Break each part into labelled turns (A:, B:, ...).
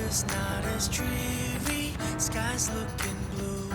A: weather's not as dreary, sky's looking blue.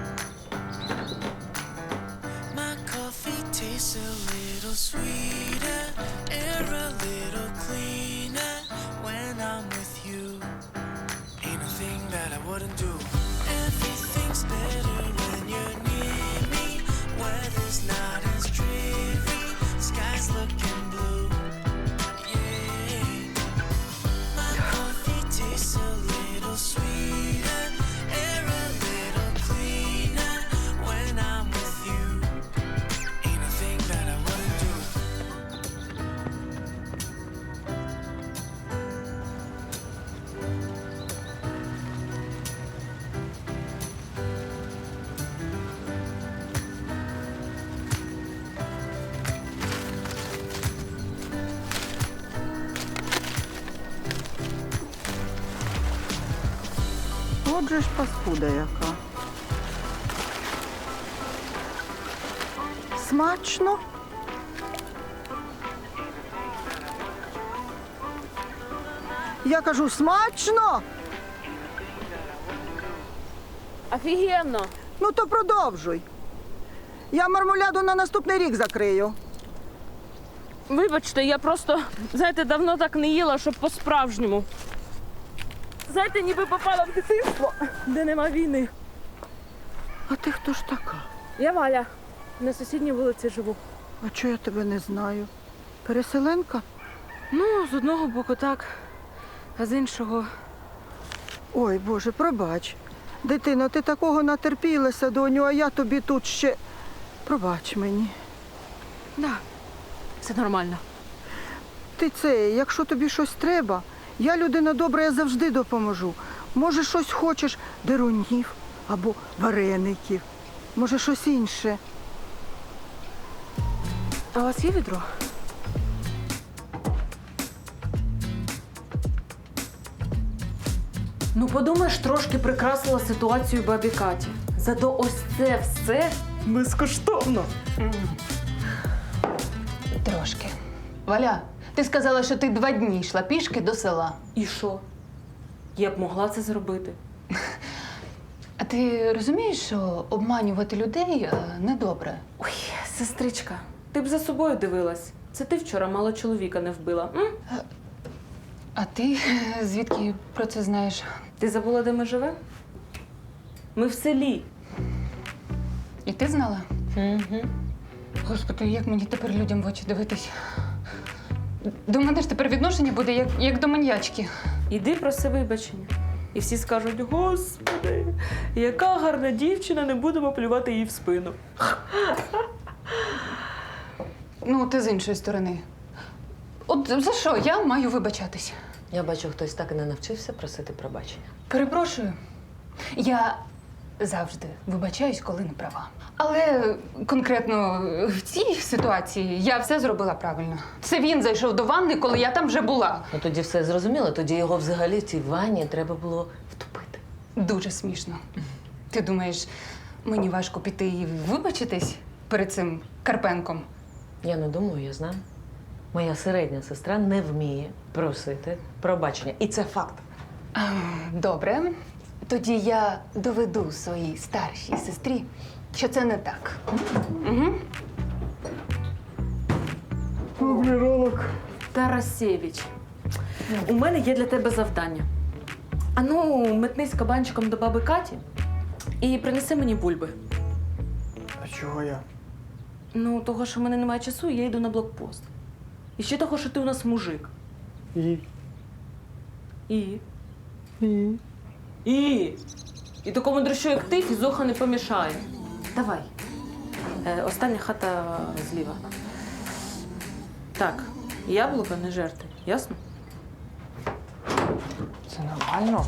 A: My coffee tastes a little sweeter, air a little cleaner when I'm with you. Ain't a thing that I wouldn't do. Everything's better when you're near me. Weather's not as dreary, sky's looking blue. Yeah. My coffee tastes a little sweeter, air a little cleaner when I'm with you. Ain't a thing that I wouldn't do.
B: Отже ж паскуда яка. Смачно? Я кажу, смачно?
C: Офігенно!
B: Ну то продовжуй. Я мармуляду на наступний рік закрию.
C: Вибачте, я просто, знаєте, давно так не їла, щоб по-справжньому. Знаєте, ніби попала в дитинство, де нема війни.
B: А ти хто ж така?
C: Я Валя, на сусідній вулиці живу.
B: А чого я тебе не знаю? Переселенка?
C: Ну, з одного боку так, а з іншого...
B: Ой, Боже, пробач. Дитино, ти такого натерпілася, доню, а я тобі тут ще... Пробач мені.
C: Да, все нормально.
B: Ти це, якщо тобі щось треба, я людина добра, я завжди допоможу. Може, щось хочеш дерунів або вареників. Може, щось інше.
C: А у вас є відро? Ну, подумаєш, трошки прикрасила ситуацію бабі Каті. Зато ось це все безкоштовно.
D: Трошки. Валя, ти сказала, що ти 2 дні йшла пішки до села.
C: І що? Я б могла це зробити.
D: А ти розумієш, що обманювати людей недобре?
C: Ой, сестричка, ти б за собою дивилась. Це ти вчора мало чоловіка не вбила. М?
D: А ти звідки про це знаєш?
C: Ти забула, де ми живемо? Ми в селі.
D: І ти знала?
C: Угу.
D: Господи, як мені тепер людям в очі дивитись? До мене ж тепер відношення буде як до маньячки.
C: Іди проси вибачення. І всі скажуть: Господи, яка гарна дівчина, не будемо плювати їй в спину.
D: Ну, ти з іншої сторони. От за що я маю вибачатись?
E: Я бачу, хтось так і не навчився просити пробачення.
D: Перепрошую. Я завжди вибачаюсь, коли не права. Але конкретно в цій ситуації я все зробила правильно. Це він зайшов до ванни, коли я там вже була.
E: Ну тоді все зрозуміло, тоді його взагалі в цій ванні треба було втопити.
D: Дуже смішно. Ти думаєш, мені важко піти і вибачитись перед цим Карпенком?
E: Я не думаю, я знаю. Моя середня сестра не вміє просити пробачення. І це факт.
D: Добре. Тоді я доведу своїй старшій сестрі, що це не так. Угу.
C: Тарасєвич, у мене є для тебе завдання. Ану, метнись кабанчиком до баби Каті і принеси мені бульби.
F: А чого я?
C: Ну, того, що в мене немає часу, я йду на блокпост. І ще того, що ти у нас мужик.
F: І?
C: І?
F: І?
C: І такому дрищу, як ти, фізуха не помішає. Давай. Остання хата зліва. Так, яблука не жерти, ясно?
F: Це нормально?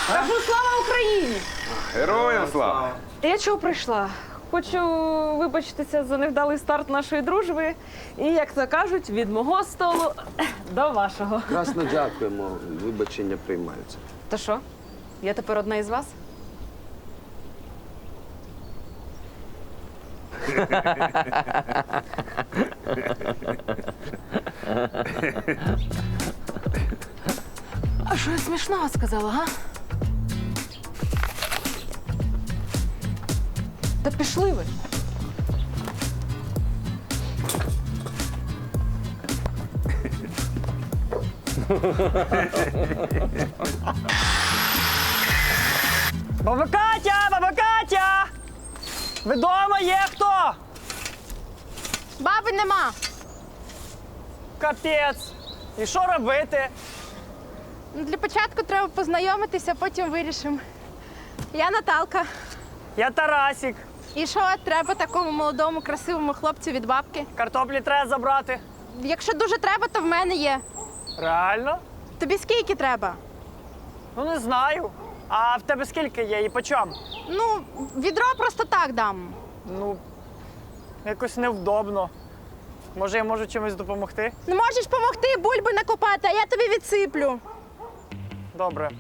C: Кажу, слава Україні!
G: Героям слава!
C: Я чого прийшла? Хочу вибачитися за невдалий старт нашої дружби. І, як то кажуть, від мого столу до вашого.
G: Красно дякуємо, вибачення приймаються.
C: То що? Я тепер одна із вас? А що я смішного сказала, га? Та пішли ви.
F: Баба Катя! Баба Катя! Ви дома є хто?
H: Баби нема.
F: Капець. І що робити?
H: Ну, для початку треба познайомитися, потім вирішимо. Я Наталка.
F: Я Тарасік.
H: І що треба такому молодому, красивому хлопцю від бабки?
F: Картоплі треба забрати.
H: Якщо дуже треба, то в мене є.
F: Реально?
H: Тобі скільки треба?
F: Ну не знаю. А в тебе скільки є і по чому?
H: Ну, відро просто так дам.
F: Ну, якось невдобно. Може, я можу чимось допомогти?
H: Не можеш допомогти бульби накопати, а я тобі відсиплю.
F: Добре.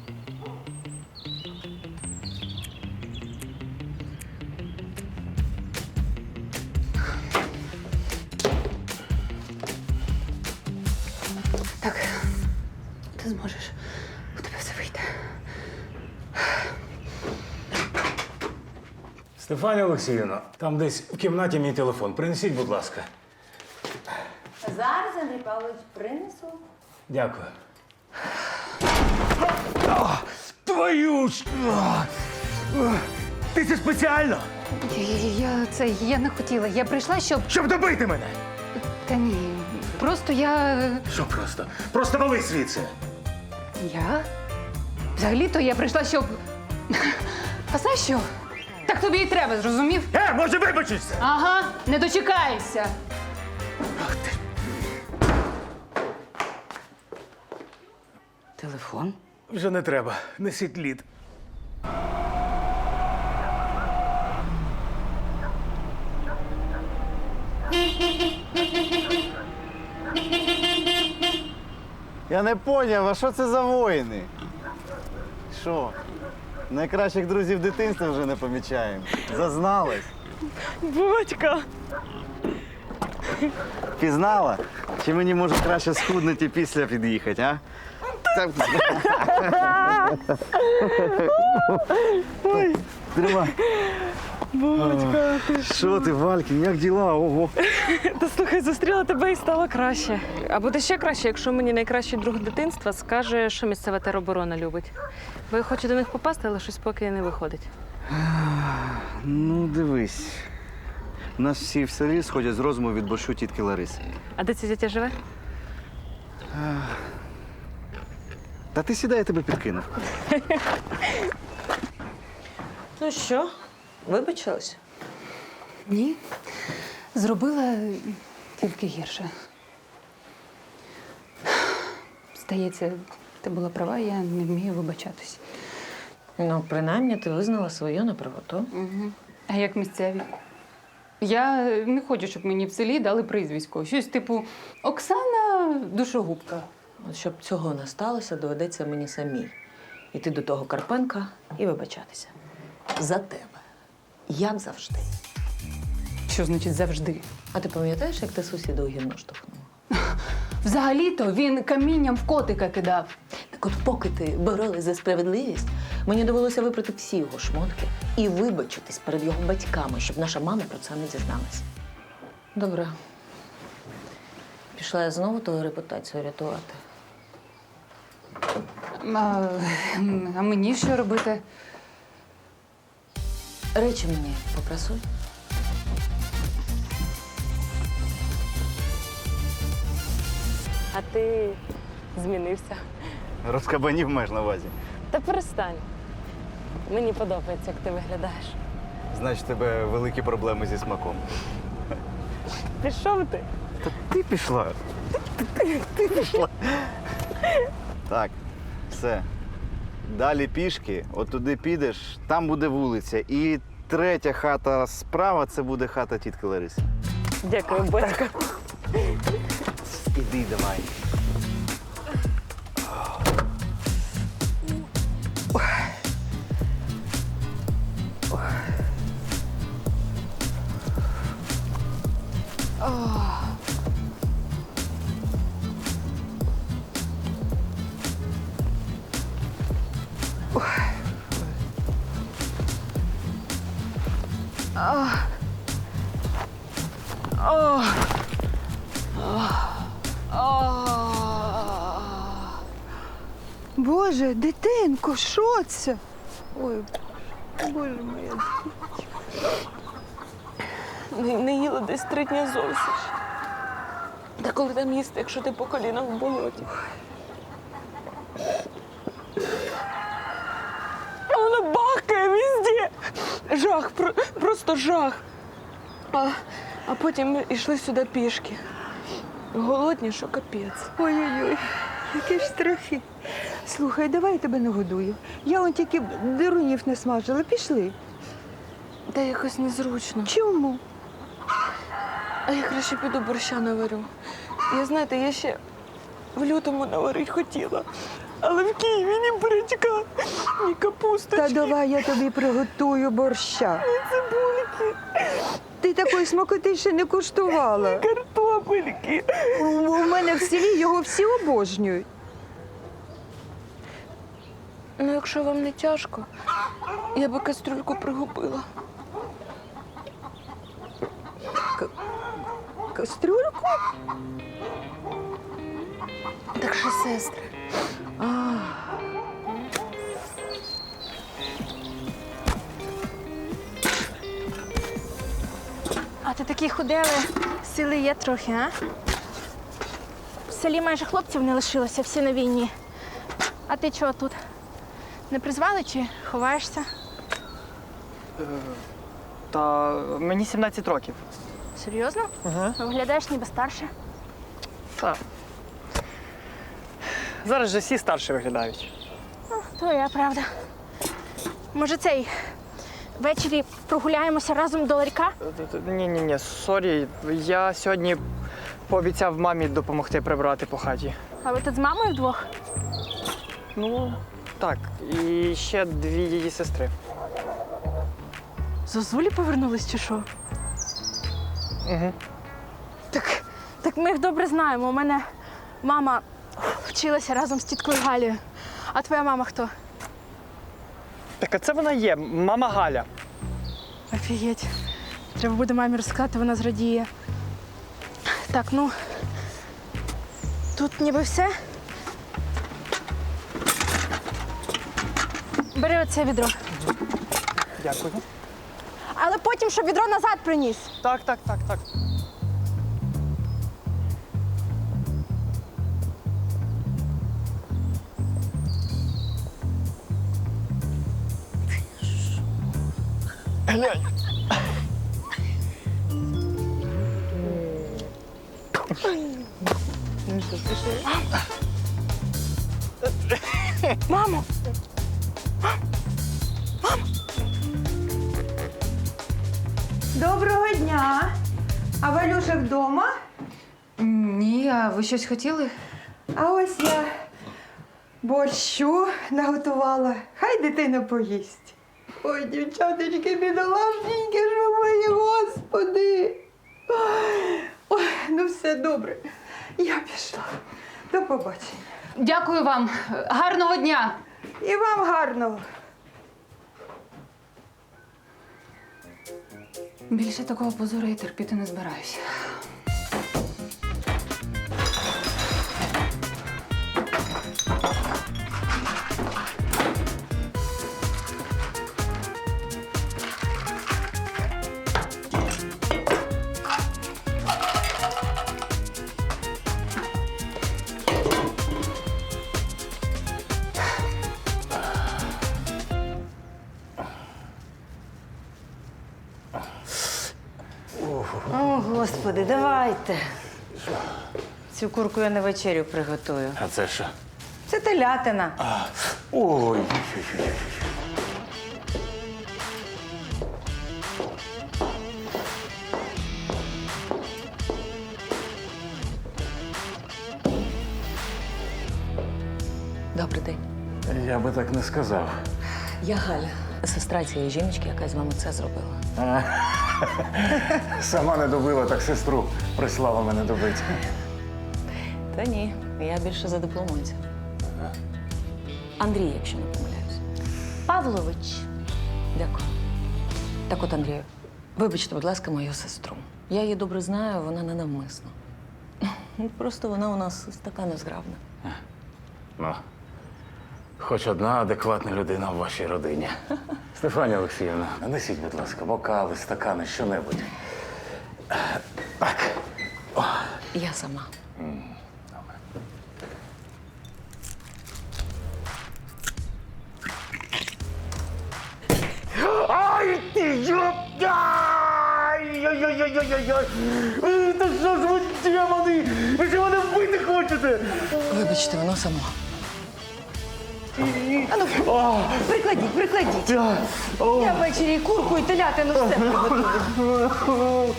D: Так, ти зможеш. У тебе все вийде.
I: Стефанія Олексіївна, там десь в кімнаті мій телефон. Принесіть, будь ласка.
J: Зараз, Андрій Павлович, принесу.
I: Дякую. Твою ж! Ти це спеціально?
D: Я не хотіла. Я прийшла, щоб.
I: Щоб добити мене!
D: Та ні. Просто я.
I: Що просто? Просто вали звідси!
D: Я? Взагалі-то я прийшла, щоб. А знаєш що? Так тобі і треба, зрозумів?
I: Може вибачишся?
D: Ага, не дочекаєшся.
J: Телефон?
I: Вже не треба. Несіть лід.
K: Я не поняв, а що це за воїни? Що? Найкращих друзів дитинства вже не помічаємо. Зазналась.
C: Батька!
K: Пізнала? Чи мені може краще схуднути і після під'їхати, а? Так. Тримай.
C: Батька, ти
K: Що ти, Валькін, як діла? Ого.
C: Та слухай, зустріла тебе і стало краще. А буде ще краще, якщо мені найкращий друг дитинства скаже, що місцева тероборона любить. Бо я хочу до них попасти, але щось поки не виходить.
K: Ну, дивись. У нас всі в селі сходять з розуму від борщу тітки Лариси.
C: А де ця дитя живе?
K: Та ти сідай, я тебе підкинув.
E: Ну що, вибачилась?
D: Ні. Зробила тільки гірше. Здається, ти була права, я не вмію вибачатись.
E: Ну, принаймні, ти визнала свою неправоту.
D: Угу. А як місцеві? Я не хочу, щоб мені в селі дали прізвисько. Щось типу Оксана Душогубка.
E: От щоб цього не сталося, доведеться мені самій іти до того Карпенка і вибачатися. За тебе. Як завжди.
D: Що значить завжди?
E: А ти пам'ятаєш, як ти сусіда у гівно штовхнула?
D: Взагалі-то він камінням в котика кидав.
E: Так от поки ти боролась за справедливість, мені довелося випрати всі його шмотки і вибачитись перед його батьками, щоб наша мама про це не дізналась. Добре. Пішла я знову твою репутацію рятувати.
D: А мені що робити?
E: Речі мені попрасуй.
C: А ти змінився.
K: Розкабанів маєш на увазі.
C: Та перестань. Мені подобається, як ти виглядаєш.
K: Значить, у тебе великі проблеми зі смаком.
C: Пішов ти?
K: Ти пішла. Ти пішла. Так, все. Далі пішки, от туди підеш, там буде вулиця. І третя хата справа це буде хата тітки Лариси.
C: Дякую, батько.
K: Іди, давай.
B: Боже, дитинко, що це? Ой, Боже моя.
C: Не їла десь 3 дні зовсім. Та коли там їсти, якщо ти по колінах в болоті? А вона бахкає везде. Жах, просто жах. А потім ми йшли сюди пішки. Голодні, що капець.
B: Ой-ой-ой, які ж страхи. Слухай, давай я тебе нагодую. Я он тільки дирунів не смажила. Пішли.
C: Та якось незручно.
B: Чому?
C: А я краще піду борща наварю. Я ще в лютому наварити хотіла. Але в Києві ні бурячка, ні капусточки.
B: Та давай я тобі приготую борща.
C: Цибульки,
B: Ти такої смакоти ще не куштувала.
C: картопельки.
B: У мене в селі його всі обожнюють.
C: Ну, якщо вам не тяжко, я би кастрюльку пригубила.
B: Кастрюльку?
C: Так що, сестри,
H: А ти такі худели, сили є трохи, а? В селі майже хлопців не лишилося, всі на війні. А ти чого тут? Не призвали чи ховаєшся?
F: Та мені 17 років.
H: Серйозно?
F: Ага.
H: Виглядаєш ніби старше.
F: Так. Зараз же всі старші виглядають.
H: Твоя правда. Може, ввечері прогуляємося разом до ларька?
F: Ні, сорі. Я сьогодні пообіцяв мамі допомогти прибрати по хаті.
H: А ви тут з мамою вдвох?
F: Ну, так. І ще 2 її сестри.
H: Зозулі повернулись чи що?
F: Угу.
H: Так ми їх добре знаємо. У мене мама вчилася разом з тіткою Галею. А твоя мама хто?
F: Так, а це вона є, мама Галя.
H: Офігеть. Треба буде мамі розказати, вона зрадіє. Так, ну, тут ніби все. Бери оце відро.
F: Дякую.
H: Але потім, щоб відро назад приніс.
F: Так. Глянь.
H: Мамо!
B: Доброго дня. А Валюша вдома?
D: Ні, а ви щось хотіли?
B: А ось я борщу наготувала. Хай дитина поїсть. Ой, дівчаточки, бідолашненькі, що мої, господи. Ой, ну все добре. Я пішла. До побачення.
D: Дякую вам. Гарного дня!
B: І вам гарного.
D: Більше такого позору я терпіти не збираюся.
J: О, Господи, давайте. Цю курку я на вечерю приготую.
I: А це що?
J: Це телятина.
I: Ой.
E: Добрий день.
I: Я би так не сказав.
E: Я Галя, сестра цієї жіночки, яка з вами це зробила.
I: Сама не добила, так сестру прислала мене добити.
E: Та ні, я більше за дипломанця. Андрій, якщо не помиляюсь.
J: Павлович.
E: Дякую. Так от, Андрію, вибачте, будь ласка, мою сестру. Я її добре знаю, вона не навмисно. Просто вона у нас така незграбна.
I: Ну, хоч одна адекватна людина в вашій родині. Стефанія Олексіївна, нанесіть, будь ласка, бокали, стакани, що-небудь. Так.
E: Я сама.
I: Ай, ти йоп! Ай-яй-яй-яй-яй-яй! Та що ж ви, демони? Ви що мене вбити хочете?
E: Вибачте, воно само.
J: Прикладіть. Я ввечері і курку, і телятину все приготую.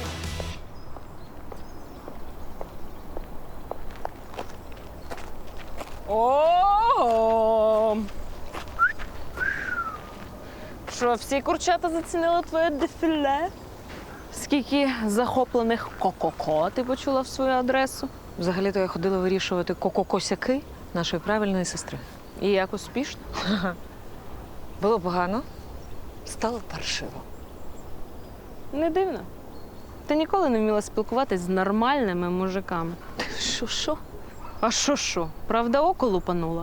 C: О! Що, всі курчата зацінили твоє дефіле? Скільки захоплених ко-ко-ко ти почула в свою адресу?
E: Взагалі-то я ходила вирішувати ко-ко-косяки нашої правильної сестри.
C: І як успішно?
E: Було погано, стало паршиво.
C: Не дивно. Ти ніколи не вміла спілкуватись з нормальними мужиками.
E: Що?
C: А що? Правда, око лупанула?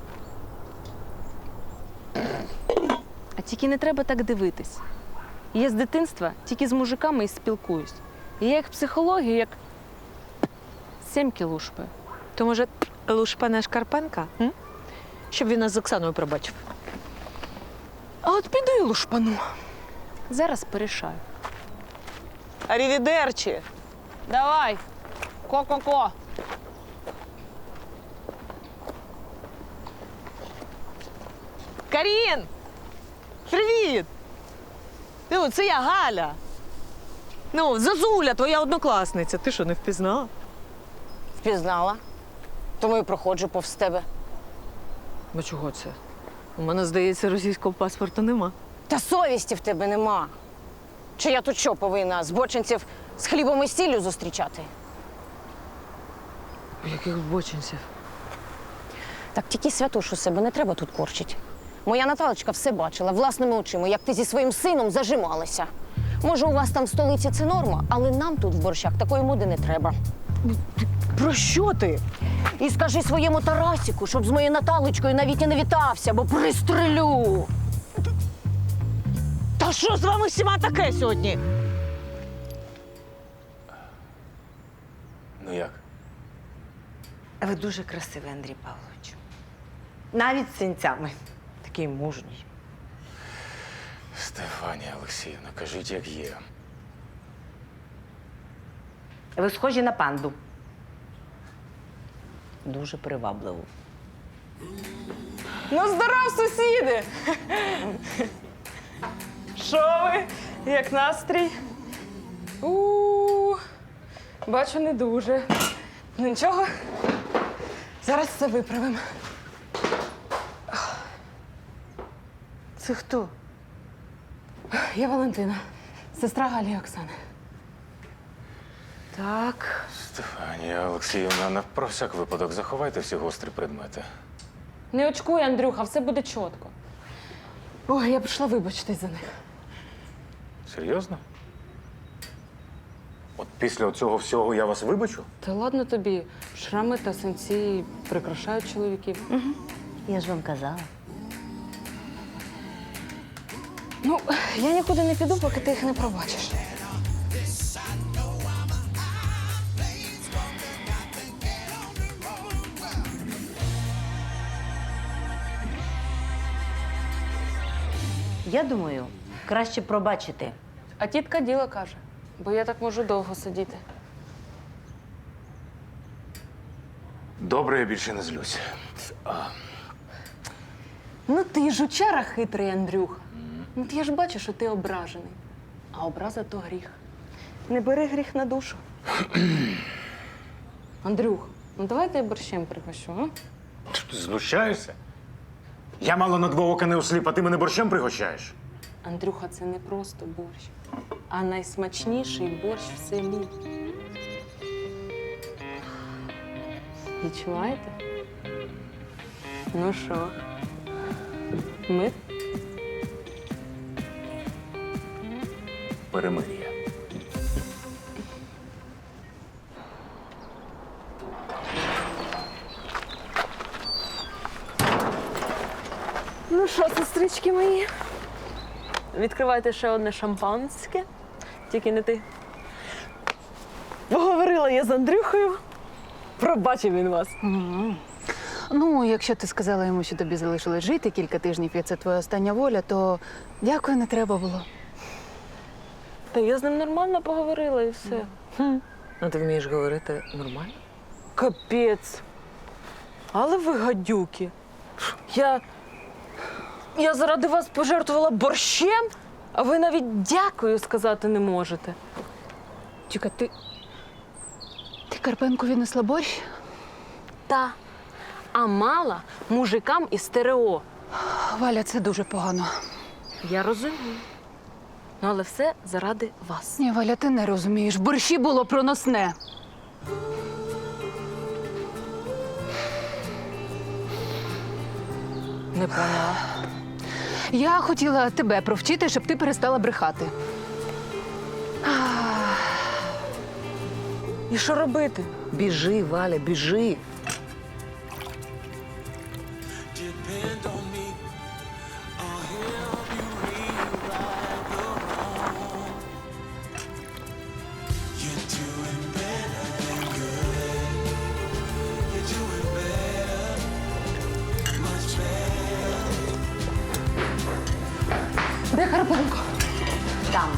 C: А тільки не треба так дивитись. Я з дитинства тільки з мужиками і спілкуюсь. І я їх психологію як сімки лушпаю.
E: То, може, Лушпане Шкарпенка? М? Щоб він нас з Оксаною пробачив.
C: А от піду і лушпану. Зараз порішаю.
E: Арівідерчі!
C: Давай, ко-ко-ко.
E: Карін! Привіт! Ну, це я Галя. Ну, Зазуля, твоя однокласниця. Ти що, не впізнала?
L: Впізнала. Тому і проходжу повз тебе.
E: Ну чого це? У мене, здається, російського паспорту нема.
L: Та совісті в тебе нема. Чи я тут що повинна збочинців з хлібом і сіллю зустрічати?
E: Яких бочинців?
L: Так тільки святошу себе не треба тут корчить. Моя Наталочка все бачила власними очима, як ти зі своїм сином зажималася. Може, у вас там в столиці це норма, але нам тут в борщах такої моди не треба.
E: Про що ти?
L: І скажи своєму Тарасіку, щоб з моєю Наталочкою навіть і не вітався, бо пристрелю.
E: Та що з вами всіма таке сьогодні?
I: Ну як?
J: Ви дуже красивий, Андрій Павлович. Навіть з синцями. Такий мужній.
I: Стефанія Олексіївна, кажіть, як є.
J: Ви схожі на панду.
E: Дуже привабливо.
C: Ну, здоров, сусіди! Що ви? Як настрій? Бачу, не дуже. Ну нічого. Зараз все виправимо.
J: Це хто?
C: Я Валентина, сестра Галі і Оксани.
J: Так.
I: Стефанія Олексіївна, про всяк випадок заховайте всі гострі предмети.
C: Не очкуй, Андрюха, все буде чітко. Ой, я прийшла вибачитись за них.
I: Серйозно? От після цього всього я вас вибачу?
C: Та ладно тобі, шрами та синці прикрашають чоловіків.
J: Я ж вам казала.
C: Ну, я нікуди не піду, поки ти їх не пробачиш.
J: Я думаю, краще пробачити.
C: А тітка діло каже, бо я так можу довго сидіти.
I: Добре, я більше не злюсь.
C: Ну ти жучара хитрий, Андрюха. Ну я ж бачу, що ти ображений. А образа то гріх. Не бери гріх на душу. Андрюх, ну давай я борщем пригощу, а?
I: Ти знущаєшся? Я мало на два ока не осліп, а ти мене борщем пригощаєш?
C: Андрюха, це не просто борщ, а найсмачніший борщ в селі. Відчуваєте? Ну що? Ми?
I: Перемир'я.
C: Ну що, сестрички мої? Відкривайте ще одне шампанське. Тільки не ти. Поговорила я з Андрюхою. Пробачив він вас.
D: Ну, якщо ти сказала йому, що тобі залишилось жити кілька тижнів, і це твоя остання воля, то дякую, не треба було.
C: Та я з ним нормально поговорила і все.
E: Ну, ти вмієш говорити нормально?
C: Капець. Але ви гадюки. Я заради вас пожертвувала борщем, а ви навіть дякую сказати не можете.
D: Чекай, ти Карпенку віднесла борщ?
C: Та. А мала мужикам із стерео.
D: Валя, це дуже погано.
C: Я розумію. Ну, але все заради вас.
D: Ні, Валя, ти не розумієш. В борщі було проносне.
C: Не поняла.
D: Я хотіла тебе провчити, щоб ти перестала брехати.
C: І що робити?
E: Біжи, Валя, біжи.
A: Depend on me. I'll help you rewrite the wrong. You're doing better than good. You're doing better, much better.
D: Де Карпенко?
E: Там.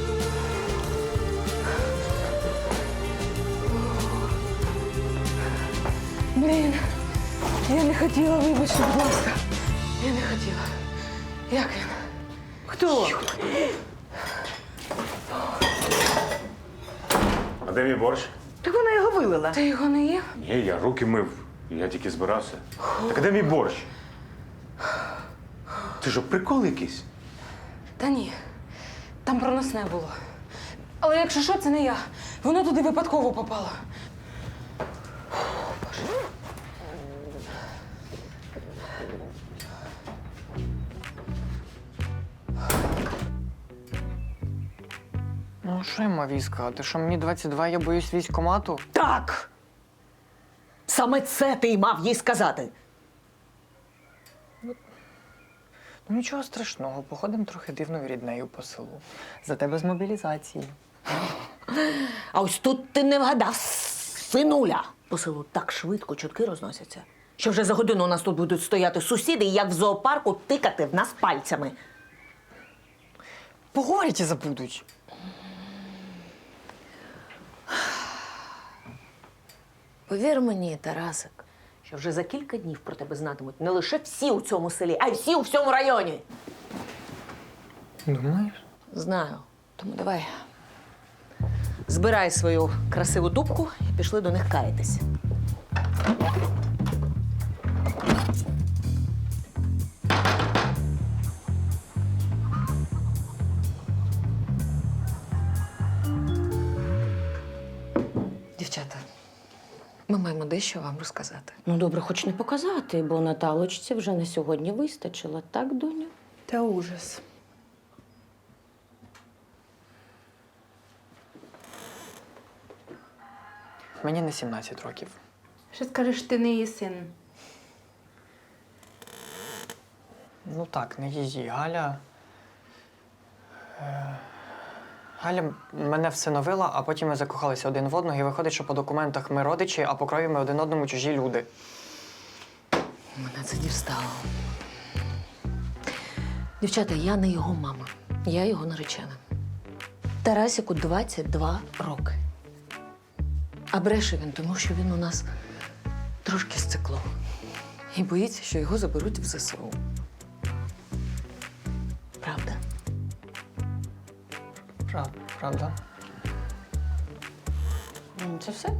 C: Блін, я не хотіла, вибачте, будь ласка. Я не хотіла. Як він? Хто?
I: А де мій борщ?
J: Так вона його вилила.
C: Ти його не їв?
I: Ні, я руки мив. Я тільки збирався. Так а де мій борщ? Ти що, прикол якийсь?
C: Та ні. Там проносне було. Але якщо що, це не я. Воно туди випадково попало.
F: Ну, що я мав їй сказати? Що мені 22, я боюсь військкомату?
E: Так! Саме це ти й мав їй сказати.
F: Ну, нічого страшного, походимо трохи дивною ріднею по селу. Зате без мобілізації.
E: А ось тут ти не вгадав, синуля. По селу так швидко чутки розносяться, що вже за годину у нас тут будуть стояти сусіди і як в зоопарку тикати в нас пальцями.
F: Поговорять і забудуть.
E: Повір мені, Тарасик, що вже за кілька днів про тебе знатимуть не лише всі у цьому селі, а й всі у всьому районі.
F: Думаєш?
E: Знаю. Тому давай. Збирай свою красиву дубку і пішли до них каятись.
C: Дівчата, ми маємо дещо вам розказати.
L: Ну, добре, хоч не показати, бо Наталочці вже на сьогодні вистачило, так, доню?
C: Та ужас.
F: Мені не 17 років.
D: Що скажеш, ти не її син?
F: Ну так, не її. Галя. Галя мене всиновила, а потім ми закохалися один в одного, і виходить, що по документах ми родичі, а по крові ми один одному чужі люди.
E: Мене це дістало. Дівчата, я не його мама. Я його наречена. Тарасику 22 роки. А бреше він, тому що він у нас
M: трошки стекло. І боїться, що його заберуть в ЗСУ.
E: Правда?
F: Правда?
M: Це все?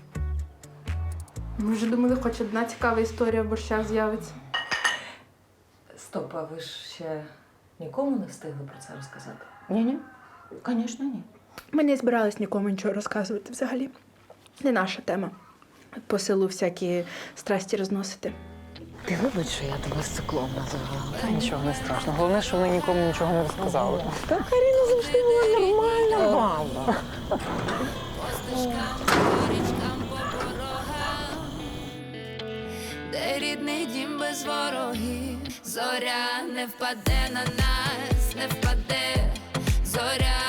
H: Ми вже думали, хоч одна цікава історія в борщах з'явиться.
M: Стоп, а ви ж ще нікому не встигли про це розказати?
L: Ні-ні, звісно, ні.
H: Ми не збирались нікому нічого розказувати взагалі. Не наша тема. По селу всякі страсті розносити.
M: Ти вибач, що я тебе стеклом називала.
F: Та нічого не страшно. Головне, що вони нікому нічого не розказали.
L: Та Каріна завжди була нормальна баба.
A: Де рідний дім без ворогів, зоря не впаде на нас, не впаде, зоря